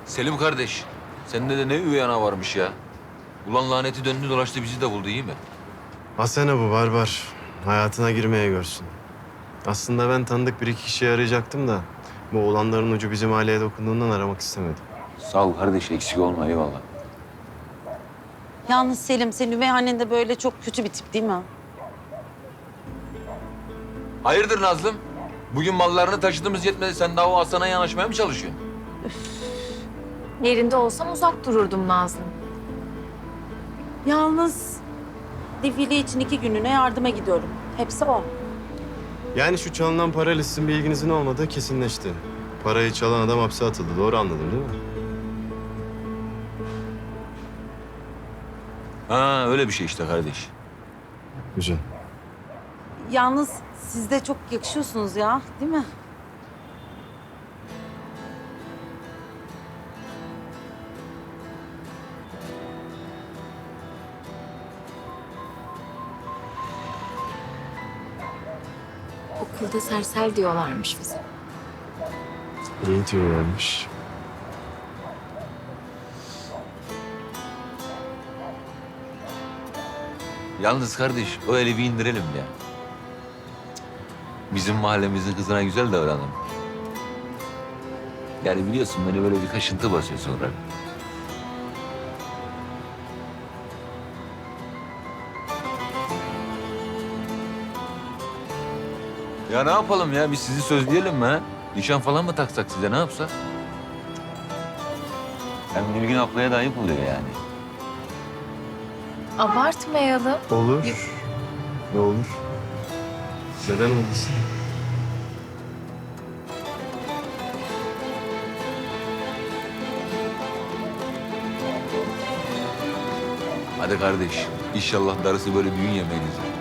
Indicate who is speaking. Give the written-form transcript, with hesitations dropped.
Speaker 1: Selim kardeş, sende de ne üvey ana varmış ya. Ulan laneti döndü dolaştı bizi de buldu iyi mi?
Speaker 2: Asena bu barbar. Hayatına girmeye görsün. Aslında ben tanıdık bir iki kişiyi arayacaktım da... ...bu olanların ucu bizim aileye dokunduğundan aramak istemedim.
Speaker 1: Sağ ol kardeş eksik olma eyvallah.
Speaker 3: Yalnız Selim, senin üvey annen de böyle çok kötü bir tip değil mi?
Speaker 1: Hayırdır Nazlım? Bugün mallarını taşıdığımız yetmedi sen daha o Hasan'a yanaşmaya mı çalışıyorsun?
Speaker 4: Yerinde olsam uzak dururdum Nazlı.
Speaker 3: Yalnız defile için 2 günlüğüne yardıma gidiyorum. Hepsi o.
Speaker 2: Yani şu çalınan para listin bilginizin olmadığı kesinleşti. Parayı çalan adam hapse atıldı. Doğru anladım değil mi?
Speaker 1: Ha öyle bir şey işte kardeş.
Speaker 2: Güzel.
Speaker 3: Yalnız siz de çok yakışıyorsunuz ya, değil mi?
Speaker 4: Okulda sersel diyorlarmış bize.
Speaker 2: İyi diyorlarmış.
Speaker 1: Yalnız kardeş o eli bir indirelim ya. Bizim mahallemizin kızına güzel davranalım. Yani biliyorsun beni böyle bir kaşıntı basıyor sonra. Ya ne yapalım ya? Biz sizi sözleyelim mi ha? Nişan falan mı taksak size? Ne yapsak? Hem Nilgün ablaya da ayıp oluyor yani.
Speaker 4: Abartmayalım.
Speaker 2: Olur. Ne olur? Neden olmasın?
Speaker 1: Hadi kardeş. İnşallah darısı böyle düğün yemeğinize.